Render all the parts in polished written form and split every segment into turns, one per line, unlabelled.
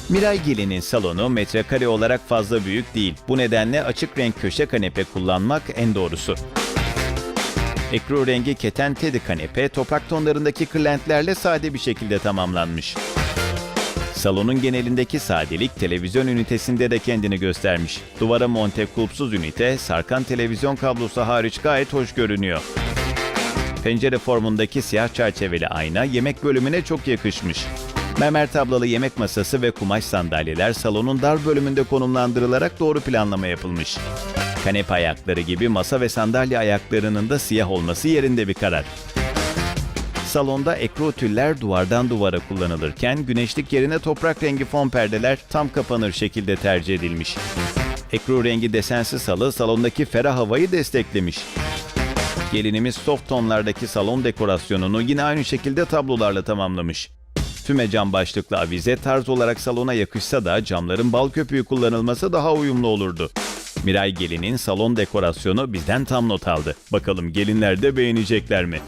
Miray Gelin'in salonu metrekare olarak fazla büyük değil. Bu nedenle açık renk köşe kanepe kullanmak en doğrusu. Ekru rengi keten teddy kanepe toprak tonlarındaki kırlentlerle sade bir şekilde tamamlanmış. Salonun genelindeki sadelik televizyon ünitesinde de kendini göstermiş. Duvara monte kulpsuz ünite, sarkan televizyon kablosu hariç gayet hoş görünüyor. Pencere formundaki siyah çerçeveli ayna yemek bölümüne çok yakışmış. Mermer tablalı yemek masası ve kumaş sandalyeler salonun dar bölümünde konumlandırılarak doğru planlama yapılmış. Kanepe ayakları gibi masa ve sandalye ayaklarının da siyah olması yerinde bir karar. Salonda ekru tüller duvardan duvara kullanılırken güneşlik yerine toprak rengi fon perdeler tam kapanır şekilde tercih edilmiş. Ekru rengi desensiz halı salondaki ferah havayı desteklemiş. Gelinimiz soft tonlardaki salon dekorasyonunu yine aynı şekilde tablolarla tamamlamış. Füme cam başlıklı avize tarz olarak salona yakışsa da camların bal köpüğü kullanılması daha uyumlu olurdu. Miray Gelin'in salon dekorasyonu bizden tam not aldı. Bakalım gelinler de beğenecekler mi?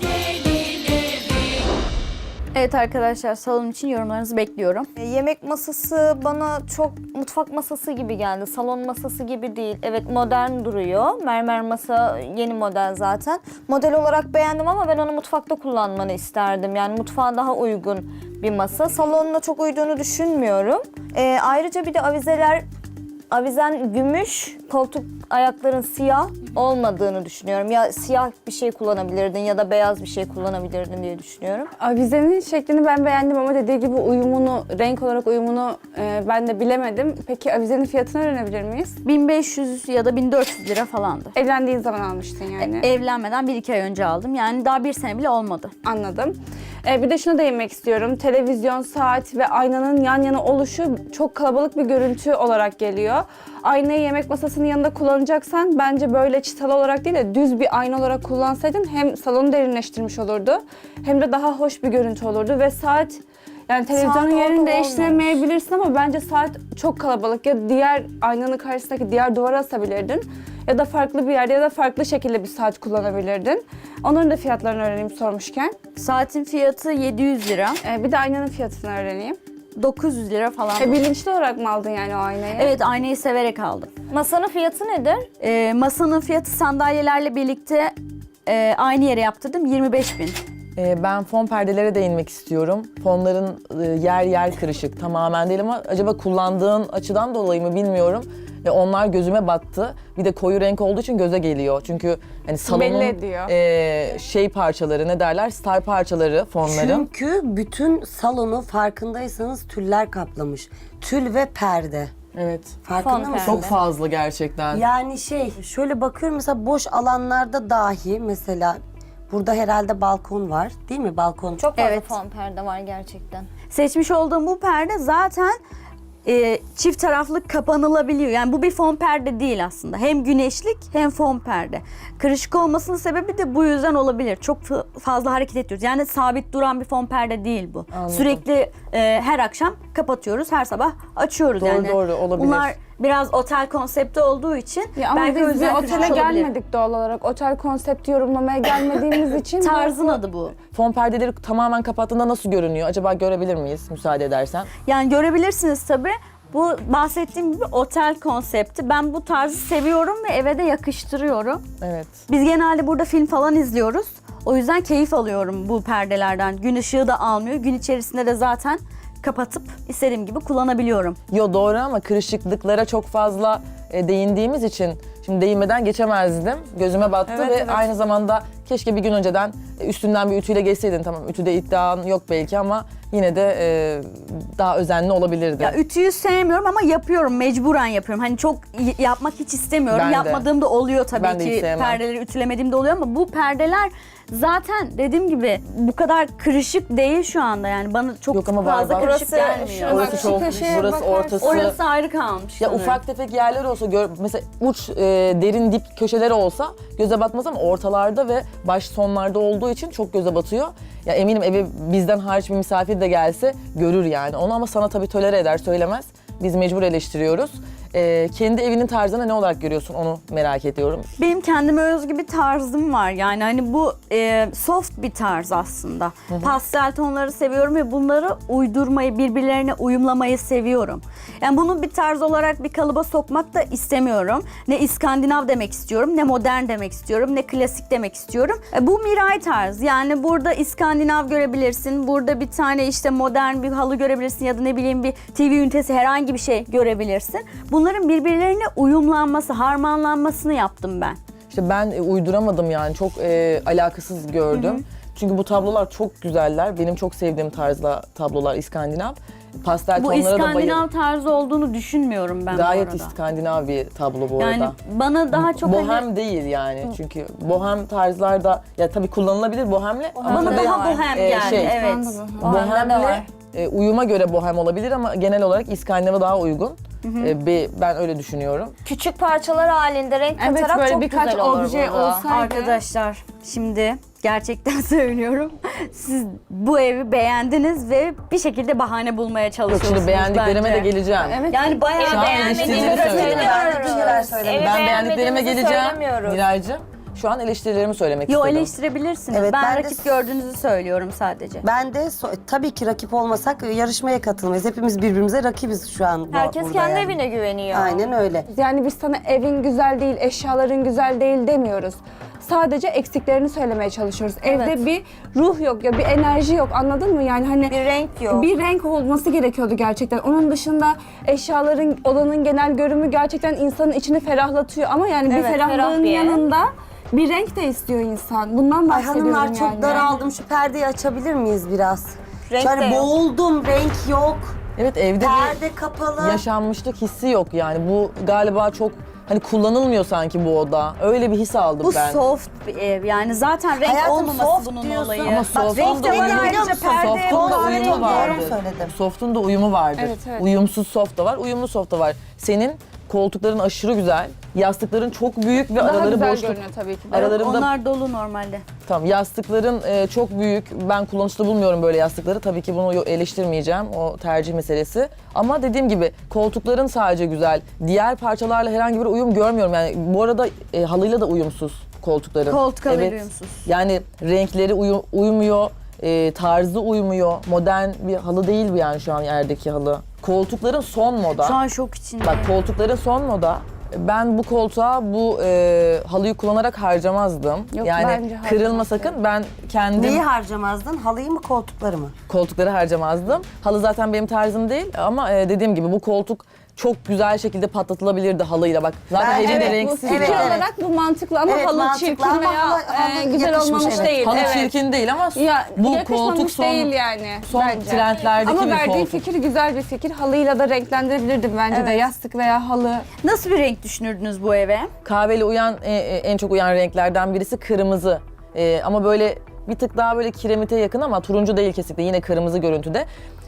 Evet arkadaşlar, salon için yorumlarınızı bekliyorum.
Yemek masası bana çok mutfak masası gibi geldi. Salon masası gibi değil. Evet, modern duruyor. Mermer masa yeni model zaten. Model olarak beğendim ama ben onu mutfakta kullanmanı isterdim. Yani mutfağa daha uygun bir masa. Salonuna çok uyduğunu düşünmüyorum. Ayrıca bir de avizen gümüş, koltuk ayakların siyah olmadığını düşünüyorum. Ya siyah bir şey kullanabilirdin ya da beyaz bir şey kullanabilirdin diye düşünüyorum.
Avizenin şeklini ben beğendim ama dediği gibi uyumunu, renk olarak uyumunu ben de bilemedim. Peki avizenin fiyatını öğrenebilir miyiz?
1500 ya da 1400 lira falandı.
Evlendiğin zaman almıştın yani.
Evlenmeden 1-2 ay önce aldım. Yani daha 1 sene bile olmadı.
Anladım. Bir de şuna değinmek istiyorum. Televizyon, saat ve aynanın yan yana oluşu çok kalabalık bir görüntü olarak geliyor. Aynayı yemek masasının yanında kullanacaksan bence böyle çıtalı olarak değil de düz bir ayna olarak kullansaydın hem salonu derinleştirmiş olurdu hem de daha hoş bir görüntü olurdu ve saat yani televizyonun
Saat
yerini
orada
değiştiremeyebilirsin ama bence saat çok kalabalık. Ya diğer aynanın karşısındaki diğer duvara asabilirdin ya da farklı bir yerde ya da farklı şekilde bir saat kullanabilirdin. Onların da fiyatlarını öğreneyim sormuşken.
Saatin fiyatı 700 lira.
Bir de aynanın fiyatını öğreneyim.
900 lira falan.
Bilinçli olarak mı aldın yani o aynayı?
Evet, aynayı severek aldım.
Masanın fiyatı nedir?
Masanın fiyatı sandalyelerle birlikte aynı yere yaptırdım, 25.000.
Ben fon perdelere değinmek istiyorum. Fonların yer yer kırışık, tamamen değil ama acaba kullandığın açıdan dolayı mı bilmiyorum. Ve onlar gözüme battı. Bir de koyu renk olduğu için göze geliyor. Çünkü hani salonun
Belli ediyor.
şey parçaları, ne derler, star parçaları fonların.
Çünkü bütün salonu farkındaysanız tüller kaplamış. Tül ve perde.
Evet.
Farkında
Fon
mısınız?
Çok fazla gerçekten.
Yani şöyle bakıyorum mesela boş alanlarda dahi mesela burada herhalde balkon var değil mi? Balkon.
Çok fazla
Evet.
fon perde var gerçekten.
Seçmiş olduğum bu perde zaten çift taraflı kapanılabiliyor. Yani bu bir fon perde değil aslında. Hem güneşlik hem fon perde. Kırışık olmasının sebebi de bu yüzden olabilir. Çok fazla hareket ediyoruz. Yani sabit duran bir fon perde değil bu.
Anladım.
Sürekli her akşam kapatıyoruz, her sabah açıyoruz
Doğru,
yani.
doğru, olabilir.
Bunlar biraz otel konsepti olduğu için
Ya ama
belki o
biz bir
yüzden
otele
kırışık olabilir.
gelmedik doğal olarak. Otel konsepti yorumlamaya gelmediğimiz için.
Tarzın adı bu.
Fon perdeleri tamamen kapattığında nasıl görünüyor? Acaba görebilir miyiz müsaade edersen?
Yani görebilirsiniz tabii. Bu bahsettiğim gibi otel konsepti. Ben bu tarzı seviyorum ve eve de yakıştırıyorum.
Evet.
Biz genelde burada film falan izliyoruz. O yüzden keyif alıyorum bu perdelerden. Gün ışığı da almıyor. Gün içerisinde de zaten kapatıp istediğim gibi kullanabiliyorum.
Yo doğru ama kırışıklıklara çok fazla değindiğimiz için şimdi değinmeden geçemezdim. Gözüme battı
Evet,
ve
evet.
aynı zamanda keşke bir gün önceden üstünden bir ütüyle geçseydin. Tamam, ütüde iddian yok belki ama yine de daha özenli olabilirdi.
Ya ütüyü sevmiyorum ama yapıyorum. Mecburen yapıyorum. Hani çok yapmak hiç istemiyorum.
Ben de.
Yapmadığım da oluyor tabii
Ben de hiç
ki.
sevmem.
Perdeleri ütülemediğim de oluyor ama bu perdeler zaten dediğim gibi bu kadar kırışık değil şu anda. Yani bana çok
Yok ama var,
fazla
var.
kırışık
Burası
gelmiyor.
şu-
Orası
Bak,
çok,
şu köşeye
burası
bakarsın.
ortası.
Orası ayrı kalmış.
Ya
sanırım.
ufak tefek yerler olsa, mesela uç derin dip köşeleri olsa göze batmaz ama ortalarda ve baş sonlarda olduğu için çok göze batıyor. Ya eminim eve bizden hariç bir misafir de gelse görür yani onu ama sana tabii tolere eder söylemez. Biz mecbur eleştiriyoruz. Kendi evinin tarzını ne olarak görüyorsun onu merak ediyorum.
Benim kendime özgü bir tarzım var. Yani hani bu soft bir tarz aslında. Pastel tonları seviyorum ve bunları uydurmayı, birbirlerine uyumlamayı seviyorum. Yani bunu bir tarz olarak bir kalıba sokmak da istemiyorum. Ne İskandinav demek istiyorum, ne modern demek istiyorum, ne klasik demek istiyorum. Bu Miray tarz. Yani burada İskandinav görebilirsin, burada bir tane işte modern bir halı görebilirsin ya da ne bileyim bir TV ünitesi, herhangi bir şey görebilirsin. Bunların birbirlerine uyumlanması, harmanlanmasını yaptım ben.
İşte ben uyduramadım yani çok alakasız gördüm. Çünkü bu tablolar çok güzeller. Benim çok sevdiğim tarzda tablolar İskandinav. Pastel
Bu
tonlara da
İskandinav
bayılıyorum.
tarzı olduğunu düşünmüyorum ben
Gayet
bu arada.
İskandinav bir tablo bu
Yani
arada.
bana daha çok
Bohem
hani,
değil yani. Çünkü bohem tarzlarda ya tabii kullanılabilir bohemle ama
bana
tabii,
daha bohem geldi.
şey,
Evet.
Bohem'de de var.
bohemle uyuma göre bohem olabilir ama genel olarak İskandinav'a daha uygun. Ben öyle düşünüyorum.
Küçük parçalar halinde renk
Evet,
katarak
böyle
çok
birkaç
güzel olur
obje
burada.
olsaydı.
Arkadaşlar şimdi gerçekten söylüyorum. Siz bu evi beğendiniz ve bir şekilde bahane bulmaya
Yok
çalışıyorsunuz
şimdi beğendiklerime
bence.
de geleceğim.
Evet.
Yani bayağı
Şu an
Beğenmediğimi
eleştirilerimi
söylemiyoruz.
söylemiyorum.
Evi
Ben beğendiklerime
beğenmediğimizi
geleceğim
söylemiyoruz.
Miraycığım. Şu an eleştirilerimi söylemek
Yo,
istedim.
eleştirebilirsiniz.
Evet,
ben
ben de-
rakip gördüğünüzü söylüyorum sadece.
Ben de tabii ki rakip olmasak yarışmaya katılmayız. Hepimiz birbirimize rakibiz şu an
Herkes
burada
kendi
yani.
evine güveniyor.
Aynen öyle.
Yani biz sana evin güzel değil, eşyaların güzel değil demiyoruz. Sadece eksiklerini söylemeye çalışıyoruz.
Evet.
Evde bir ruh yok ya bir enerji yok, anladın mı? Yani hani
Bir renk yok.
bir renk olması gerekiyordu gerçekten. Onun dışında eşyaların, odanın genel görümü gerçekten insanın içini ferahlatıyor. Ama yani bir
Evet, ferah
ferahlığın
bir yer.
yanında bir renk de istiyor insan. Bundan
Ay
bahsediyorum
hanımlar çok
yani.
daraldım. Şu perdeyi açabilir miyiz biraz?
Renk
Yani
de yok.
boğuldum. Renk yok.
Evet evde bir
Perde kapalı.
yaşanmışlık hissi yok yani. Bu galiba çok hani kullanılmıyor sanki bu oda. Öyle bir his aldım
Bu
ben.
soft bir ev. Yani zaten renk
Hayatım,
olmaması
soft
bunun
diyorsun
olayı.
Ama
Bak,
soft'un
renk
da
de var
uyumu,
biliyor musun?
soft'un da
kahverengi
uyumu
doğru
vardır.
söyledim.
Soft'un da uyumu vardır.
Evet, evet.
Uyumsuz soft da var, uyumlu soft da var. Senin koltukların aşırı güzel, yastıkların çok büyük ve
Daha
araları
güzel
boşluk.
görünüyor tabii ki de.
Aralarında
Onlar dolu normalde.
tamam yastıkların çok büyük. Ben kullanışlı bulmuyorum böyle yastıkları. Tabii ki bunu eleştirmeyeceğim. O tercih meselesi. Ama dediğim gibi koltukların sadece güzel. Diğer parçalarla herhangi bir uyum görmüyorum. Yani bu arada halıyla da uyumsuz koltukların.
Koltuk halı
Evet.
uyumsuz.
Yani renkleri uyumuyor, tarzı uyumuyor. Modern bir halı değil bu yani şu an yerdeki halı. Koltukların son moda.
Şu an şok içindeyim.
Bak koltukların son moda. Ben bu koltuğa bu halıyı kullanarak harcamazdım.
Yok,
yani
bence
kırılma
harcamazdım.
sakın. Ben kendim
Neyi harcamazdın? Halıyı mı koltukları mı?
koltukları harcamazdım. Halı zaten benim tarzım değil ama dediğim gibi bu koltuk çok güzel şekilde patlatılabilirdi halıyla bak. Zaten
Ben-
evin de
evet,
Bu
renksiz.
fikir
Evet,
yani.
evet.
olarak bu mantıklı ama
Evet,
halı
mantıklı
çirkin
ama
veya
halı
güzel
yakışmış,
olmamış
evet.
değil.
Halı
evet.
çirkin değil ama
Ya
bu
yakışmamış
koltuk son,
değil yani
son
bence.
trendlerdeki
Ama
bir
verdiğin
koltuk.
fikir güzel bir fikir. Halıyla da renklendirebilirdim bence de. Yastık veya halı.
Nasıl bir renk düşünürdünüz bu eve?
Kahveli uyan en çok uyan renklerden birisi kırmızı. Ama böyle bir tık daha böyle kiremite yakın ama turuncu değil kesinlikle. Yine kırmızı görüntüde.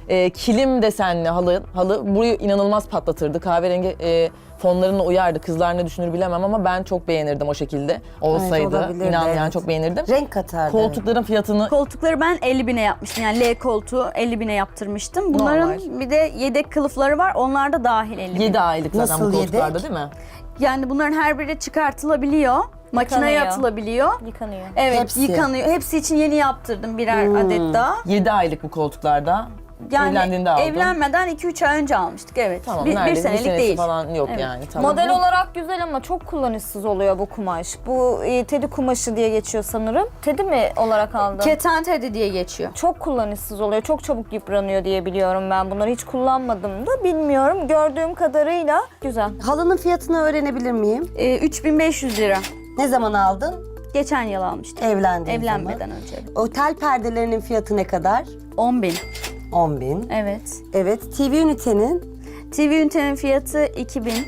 Kilim desenli halı burayı inanılmaz patlatırdı. Kahverengi fonlarına uyardı. Kızlar ne düşünür bilemem ama ben çok beğenirdim o şekilde. Olsaydı
olabilirdi,
inan yani
evet.
çok beğenirdim.
Renk katardı.
Koltukların fiyatını
Koltukları ben 50.000'e yapmıştım. Yani L koltuğu 50.000'e yaptırmıştım. Bunların
Normal.
bir de yedek kılıfları var. Onlar da dahil 50.000.
7 aylık zaten
Nasıl
bu koltuklarda
yedek?
değil mi?
Yani bunların her biri çıkartılabiliyor. Makineye
Yıkanıyor.
atılabiliyor.
Yıkanıyor.
Evet,
Hepsi.
yıkanıyor. Hepsi için yeni yaptırdım birer adet daha.
7 aylık bu koltuklarda.
Yani
Evlendiğinde aldın.
evlenmeden 2-3 ay önce almıştık. Evet.
Tamam,
bir
neredeyse
senelik
senesi
değil.
falan yok
Evet.
yani. Tamam.
Model olarak güzel ama çok kullanışsız oluyor bu kumaş. Bu tedi kumaşı diye geçiyor sanırım. Tedi mi olarak aldın?
Keten tedi diye geçiyor.
Çok kullanışsız oluyor. Çok çabuk yıpranıyor diye biliyorum ben. Bunları hiç kullanmadım da bilmiyorum. Gördüğüm kadarıyla güzel.
Halının fiyatını öğrenebilir miyim?
3500 lira.
Ne zaman aldın?
Geçen yıl almıştım.
Evlendiğin
Evlenmeden
zaman.
önce.
Otel perdelerinin fiyatı ne kadar?
10.000.
10.000.
Evet.
Evet. TV ünitenin?
TV ünitenin fiyatı 2000.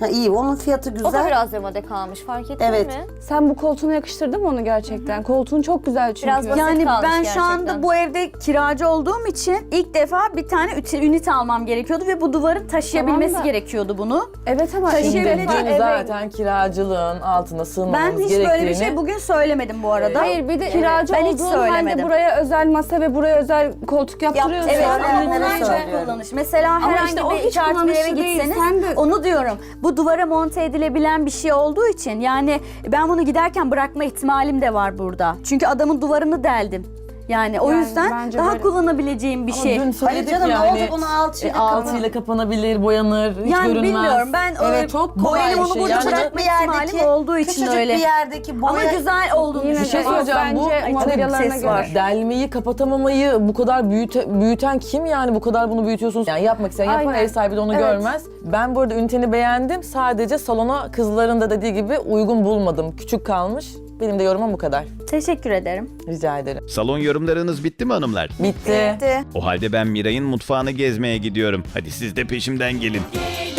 Ha, iyi, onun fiyatı
O da
güzel.
biraz demode kalmış, fark ettin
Evet.
mi?
Sen bu koltuğuna yakıştırdın mı onu gerçekten? Koltuğun çok güzel çünkü.
Biraz basit
Yani
kalmış
ben şu anda
gerçekten.
bu evde kiracı olduğum için ilk defa bir tane ünite almam gerekiyordu ve bu duvarın taşıyabilmesi
Tamam da-
gerekiyordu bunu.
Evet ama
Taşıyabilecek
şimdi
Dün
eve-
zaten kiracılığın altına
Ben
sığınmamız
hiç
gerektiğini...
böyle bir şey bugün söylemedim bu arada.
Hayır bir de kiracı
ben hiç
olduğun halde
söylemedim.
buraya özel masa ve buraya özel koltuk yaptırıyorsun.
Evet,
Söyleyenlere
ama onlar
söylüyorum.
çok kullanış. Mesela
Ama
herhangi
işte o
bir
hiç
çarşı bir eve
kullanışlı değil.
gitseniz
Sen de-
onu diyorum. Bu duvara monte edilebilen bir şey olduğu için yani ben bunu giderken bırakma ihtimalim de var burada. Çünkü adamın duvarını deldim. Yani o
Yani
yüzden
bence
daha
böyle-
kullanabileceğim bir
Ama
şey.
dün söyledik
canım, ne
yani.
olacak, onu alçıyla
alçıyla kapanabilir, boyanır, hiç
Yani
görünmez.
bilmiyorum, ben
evet, çok kolay
benim
bir
onu
şey.
burada
Yani
bırakma ihtimalim olduğu için
küçücük
öyle.
bir yerdeki boya...
Ama güzel olduğunu
Yine
Bir şey
de
söyleyeceğim, bu
bence modelyalarına
ses
göre.
var.
delmeyi, kapatamamayı bu kadar büyüten kim yani? Bu kadar bunu büyütüyorsunuz. Yani yapmak isteyen yapar,
Aynen.
ev sahibi de onu
Evet.
görmez. Ben bu arada üniteni beğendim. Sadece salona kızların da dediği gibi uygun bulmadım. Küçük kalmış. Benim de yorumum bu kadar.
Teşekkür ederim.
Rica ederim.
Salon yorumlarınız bitti mi hanımlar?
Bitti.
O halde ben Miray'ın mutfağını gezmeye gidiyorum. Hadi siz de peşimden gelin.